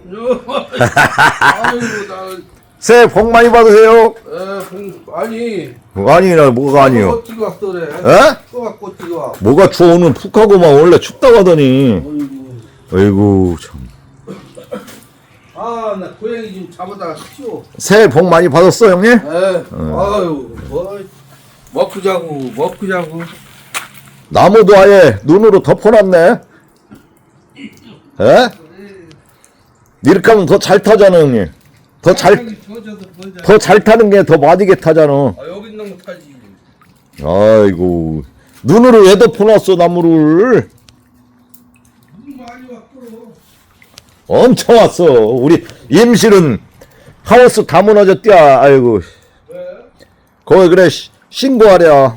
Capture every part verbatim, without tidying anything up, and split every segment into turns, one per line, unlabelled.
아이고 나.
새해 복 많이 받으세요.
에, 공, 아니.
아니라 뭐가 아니요.
또 찍어 왔어 그래.
에?
또 갖고 찍어 와.
뭐가 추워 오늘 푹 하고만 원래 춥다고 하더니.
어이구.
아이고 참.
아, 나 고양이 좀 잡아다가 키워.
새해 복 많이 받았어 형님?
에, 아유, 뭐, 먹고 자고, 먹고 자고.
나무도 아예 눈으로 덮어놨네. 에? 이렇게 하면 더 잘 타잖아 형님. 더 잘 더 잘 타는 게 더 맞이게 타잖아.
아, 여기 있는 거 타지.
아이고 눈으로 왜 덮어놨어 나무를.
눈 많이 왔고.
엄청 왔어. 우리 임실은 하우스 다 무너졌디야. 아이고
왜?
거기 그래 시- 신고하랴.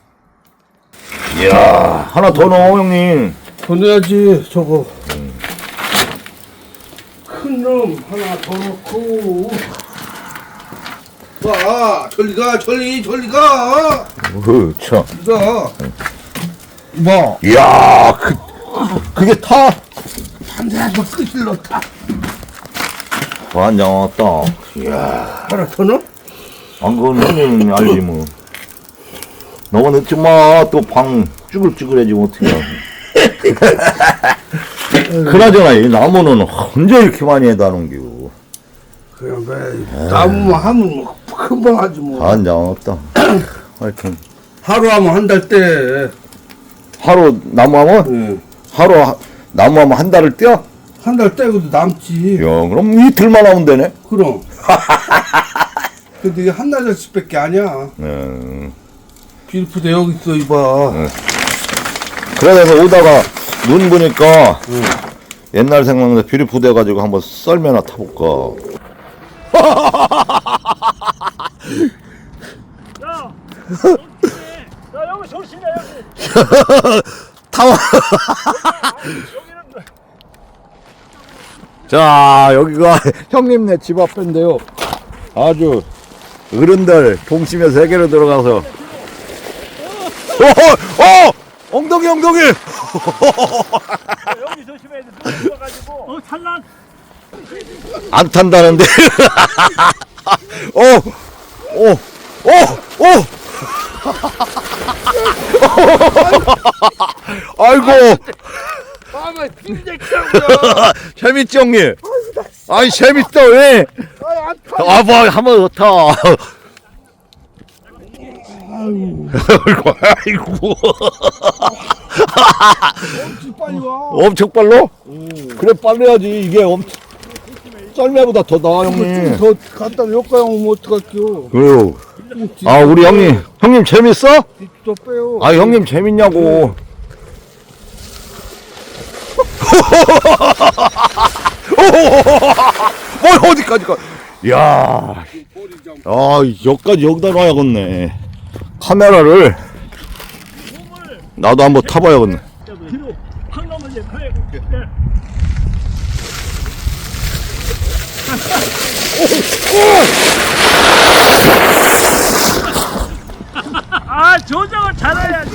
이야 하나 더 넣어 형님.
보내야지, 저거. 큰 놈 하나 더 넣고. 와, 저리 가, 저리, 저리 가.
어허, 참.
가. 뭐?
이야 그, 그게 타?
반대하고 끝을 넣다.
완전 왔다. 이야
하나 더 넣어?
안 그건 형님 알지 뭐. 너가 늦지 마. 또 방 쭈글쭈글해지면 어떡해. 그나저나 이 나무는 언제 이렇게 많이 해다 놓은겨.
그냥 왜, 나무만 하면 뭐 금방 하지 뭐.
완전 없다. 하여튼
하루 하면 한 달 때.
하루 나무하면
응.
하루 하- 나무하면 한 달을 뛰어?
한 달 떼고도 남지.
야 그럼 이틀만 하면 되네.
그럼. 근데 이게 한나절씩 밖에 아니야.
음.
빌프대 여기 있어, 이봐.
그래서 오다가 눈 보니까
응.
옛날 생각나서 비리 부대가지고 한번 썰매나 타볼까.
야, 조심해. 야, 여기 조심해, 여기.
타와.
여기는
자 여기가 형님네 집 앞인데요. 아주 어른들 동심의 세계로 들어가서. 어, 어, 엉덩이 엉덩이.
여기 조심해야 돼. 누가 들어가지고. 어, 찬란.
안 탄다는데. 어, 어, 어, 어. 아이고.
아마 빌대기라고요.
재밌지 형님? 아니 재밌다 왜? 아 뭐 한번 더 타. 아이고 아이고.
엄청 빨리 와.
엄청 빨라? 그래 빨리 해야지. 이게 엄청 썰매보다 더 나아 형님.
더 갖다 여기까지 오면 어떡할게요.
그래요. 아 우리 형님 형님 재밌어?
더 빼요.
아 형님 재밌냐고. 뭘 어디까지 가? 야, 아 여기까지 여기다 놔야겠네. 카메라를 나도 한번 타봐야겠네.
뒤로 확 넘어져. 그래. 아, 조정을 잘해야지.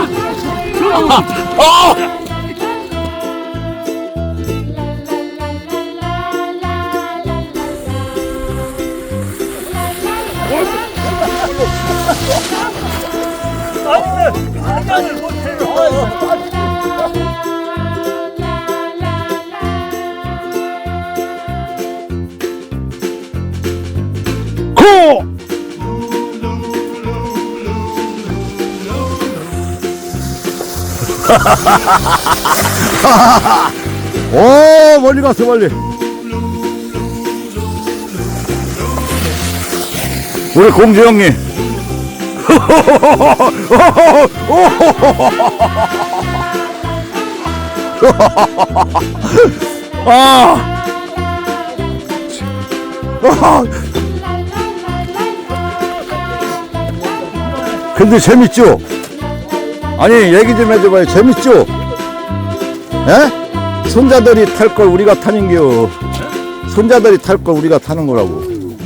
아니면 사장을 못해요.
고! 오 멀리 갔어 멀리. 우리 공주 형님. 아. 근데 재밌죠? 아니 얘기 좀 해줘봐요. 재밌죠? 에? 손자들이 탈 걸 우리가 타는겨. 손자들이 탈 걸 우리가 타는 거라고.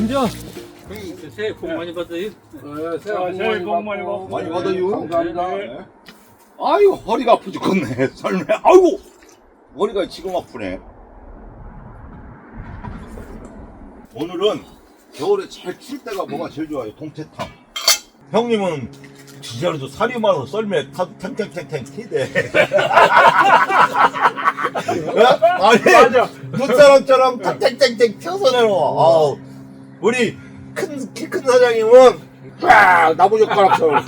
새해 복 많이 받으세요.
네,
새해 복 많이 받고.
많이 받아요.
감사합니다.
네.
아유 허리가 아프 죽겠네. 설매. 아이고 머리가 지금 아프네. 오늘은 겨울에 제일 출 때가 뭐가 제일 좋아요? 동태탕. 형님은 진짜로도 살이 많아서 썰매 타도 탱탱탱탱 튀대. 아니, 눈사람처럼 탱탱탱탱 튀어서 내려와. 아우, 우리 큰, 키 큰 사장님은 빡! 나무젓가락처럼.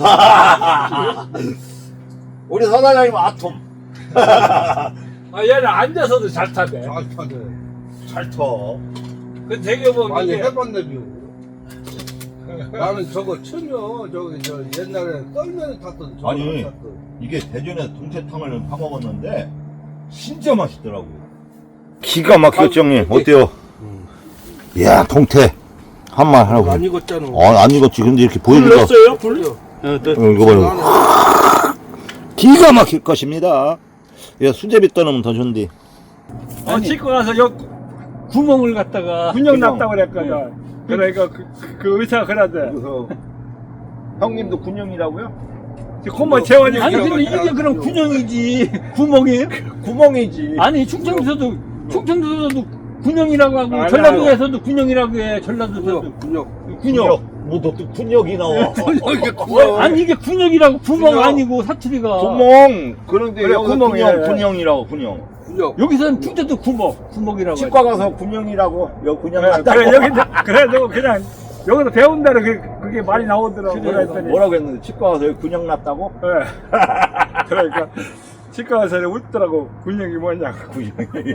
우리 사장님은 아톰.
아 얘는 앉아서도 잘 타네.
잘 타네.
잘 터.
그 되게 뭐
많이
이게
해봤네, 뷰. 나는 저거 처녀, 저기, 저 옛날에 썰매를 탔던 저거
아니.
탔던.
이게 대전에 동태탕을 파먹었는데 진짜 맛있더라고. 기가 막혔죠, 형님. 어때요? 이야, 동태 한 말 하라고.
안 익었잖아.
아, 안 익었지. 근데 이렇게 보이니까.
불렀어요? 불?
어, 이거 봐요. 기가 막힐 것입니다. 야, 수제비 떠놓으면 더 좋은데.
어, 씻고 가서 여 구멍을 갖다가 군용 났다고 그랬거든. 그러니까 그, 그 의사가 그러대.
그래서 형님도 군형이라고요?
콧만 채워지고.
아니 근데 이게 그럼 군형이지 구멍이에요?
구멍이지.
아니 충청도에서도 충청도에서도 군형이라고 하고
아니,
전라도에서도 군형이라고 해. 전라도에서도
군역.
군형.
뭐너 또 군역이 나와.
이게 군역.
아니 이게 군형이라고 구멍
군형.
아니고 사투리가.
구멍. 그런데
그래,
여기
구멍이에요.
군형, 군형이라고 군형.
군역.
여기서는 충청도 구멍 구멍이라고.
치과 가서 군형이라고. 여 군형
그래,
맞다고.
그래 여기 그래도 그냥 여기서 배운 대로 그게, 그게 말이 나오더라고.
그래,
그랬더니.
뭐라고 했는데 치과 가서 여기 군형 났다고?
예. 그러니까 치과 가서 웃더라고. 군형이 뭐냐고.
군형이.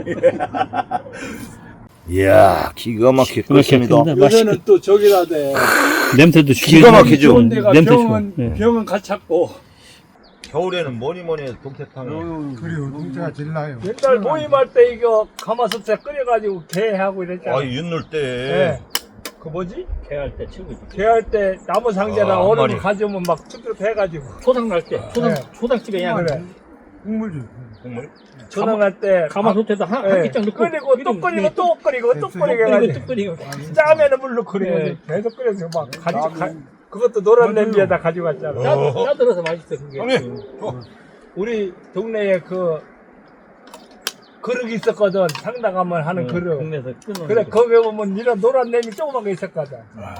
이야, 기가 막힐 것입니다.
요새는 또 저기라대.
냄새도
기가 막히죠.
좋은 데가
냄새
병은
좋아. 예.
병은 가찼고.
겨울에는 뭐니 뭐니 해도 동태탕을.
그래요, 동태가 제일 나요.
옛날 모임할 때 이거 가마솥에 끓여가지고 게하고 이랬잖아.
아, 윤놀 때.
예. 그 뭐지?
개할 때 최고지.
게할 때 나무 상자랑
아,
얼음
말이.
가져오면 막 쭈쭈 해가지고.
초당 날 때 초당
네.
초당집에 그냥
그래.
국물 주.
국물?
전화할 때
가마솥에다 한, 한
예.
끼장 넣고
끓이고 또
기름,
끓이고 또 끓이고 또 끓이고
끓이고
해가지고
또 끓이고.
짜면은 물로 끓이고
예.
계속 끓여서 막 가지고 가, 그것도 노란 냄비에다 가져갔잖아.
짜, 짜들어서 맛있어 그게.
형님.
우리 동네에 그 그릇이 있었거든. 상다 가면 하는
응,
그릇.
동네에서 끊어.
그래 거기 보면 이런 노란 냄비 조그만 게 있었거든.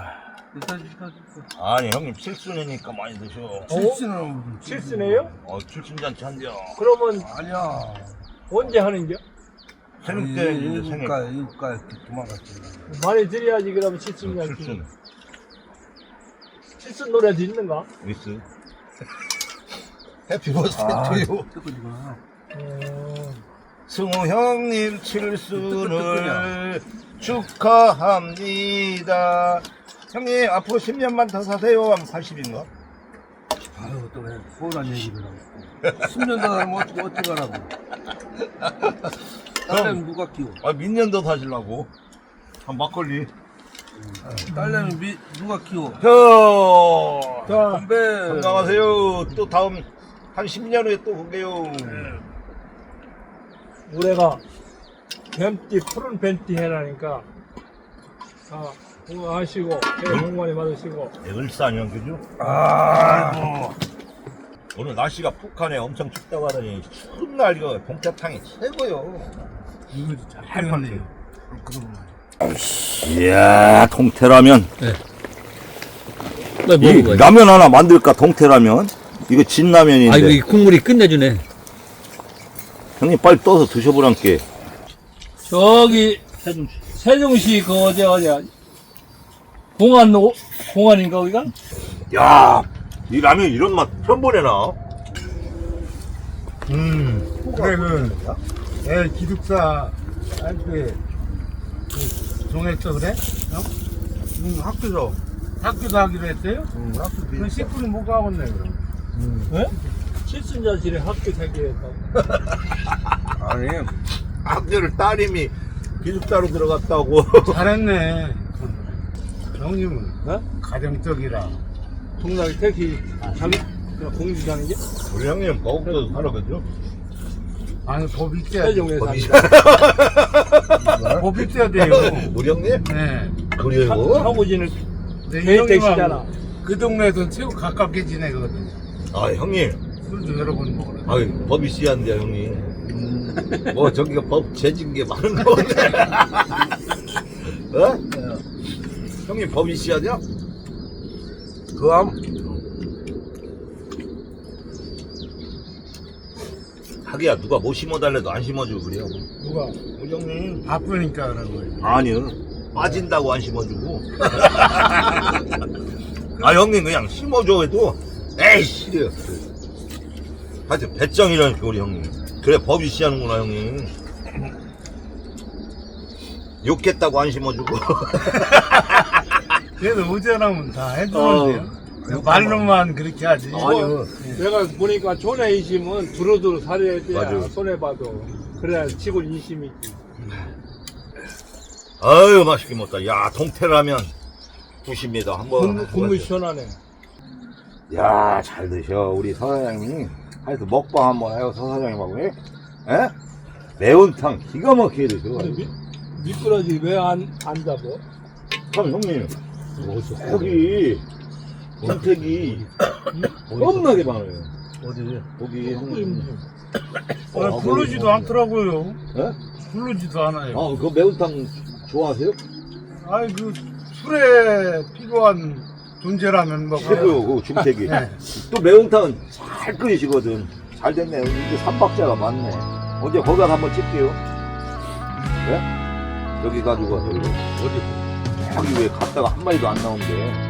아니, 형님 칠순이니까 많이 드셔.
칠순은
실수네요?
어, 칠순잔치 한대요.
그러면
아니야.
언제 하는겨?
생일 때 이제 생일.
일가 일가 이렇게 도망갔지.
많이 드려야지 그러면 칠순이야.
칠순.
칠순 노래도 있는가?
미스. 해피 버스데이 투유.
어...
승우 형님 칠순을 축하합니다. 형님 앞으로 십 년만 더 사세요. 하면 팔십인가?
아유, 또 왜 서운한 얘기를 하고. 십 년 더 하면 어떻게, 어떻게 하라고. 딸내미 누가 키워?
아, 민년 더 사시려고. 한 막걸리.
딸내미 미, 누가 키워?
형
자,
건배.
건강하세요. 또 다음 한 십 년 후에 또 볼게요.
올해가 뱀띠 푸른 뱀띠 해라니까 자 건강하시고 새해 복 많이 받으시고
을사년 그죠?
아,
오늘 날씨가 푹하네. 엄청 춥다고 하더니 추운 날 이거 동태탕이 최고요.
이거 잘 팔네요. 그럼
이야, 동태라면.
빨리
이
먹어봐요.
라면 하나 만들까? 동태라면. 이거 진라면인데.
아 이거 이 국물이 끝내주네.
형님 빨리 떠서 드셔보란께.
저기 세종시 그 어디 어디야 공안 오, 공안인가 거기가?
야, 이 라면 이런 맛 처음 보내나? 음.
그래 그 애 기숙사 할때 정했어 그래? 어?
응, 학교죠.
학교도 하기로 했어요?
응, 학교
그 식구는 못 가겠네 그럼.
네? 칠순자실에 학교 생기했다고
아니,
학교를 따님이 기숙사로 들어갔다고.
잘했네. 형님은
어?
가정적이라.
동락이 택시 자기 공주자는 게
우리 형님 거기서 살아 그죠?
아니 법 있어야
세종에
법이
산다
법 있어야 돼요.
우리 형님?
네.
그래요?
사고진을
근데 이
개인
형님하고
택시잖아.
그 동네에서 최고 가깝게 지내거든요.
아, 형님.
술도 여러 번 먹으러.
아유, 법이 씨한데요, 형님. 뭐, 저기가 법 재진 게 많은 거 같네. 어? 형님 법이 씨야 돼요?
그암
하기야 누가 못 심어달래도 안 심어주고 그래요.
누가?
우리 형님.
바쁘니까 그런 거예요.
아니요. 빠진다고 안 심어주고. 아 형님 그냥 심어줘 해도 에이 싫어요. 하여튼 배짱이라니까 우리 형님. 그래 법이 씨하는구나 형님. 욕했다고 안 심어주고.
그래도 의전하면 다 해주는데요. 말로만 그렇게 하지.
아니요. 내가 보니까 존에 인심은 두루두루 살아야 돼.
맞아요.
손해봐도. 그래야 치고 인심이 있지.
아유 맛있게 먹다. 야 동태라면 굿입니다. 한번.
국물, 국물 시원하네.
야, 잘 드셔. 우리 서사장님. 하여튼 먹방 한번 해요, 서사장님하고. 예? 에? 매운탕 기가 막히게 드셔.
아니, 미, 미꾸라지 왜 안 안 잡어?
참, 형님. 거기, 선택이 겁나게 많아요.
어디?
거기, 형님.
아, 부르지도 않더라고요.
예?
부르지도 않아요.
아, 그 매운탕 좋아하세요?
아이, 그 술에 필요한 존재라면 뭐.
최고요, 그 중택이.
네.
또 매운탕은 잘 끓이시거든. 잘 됐네. 이제 삼박자가 많네. 언제 거기 가서 한번 찍게요. 네? 저기 가지고 가서 이거. 어디? 저기 왜 갔다가 한 마리도 안 나온대.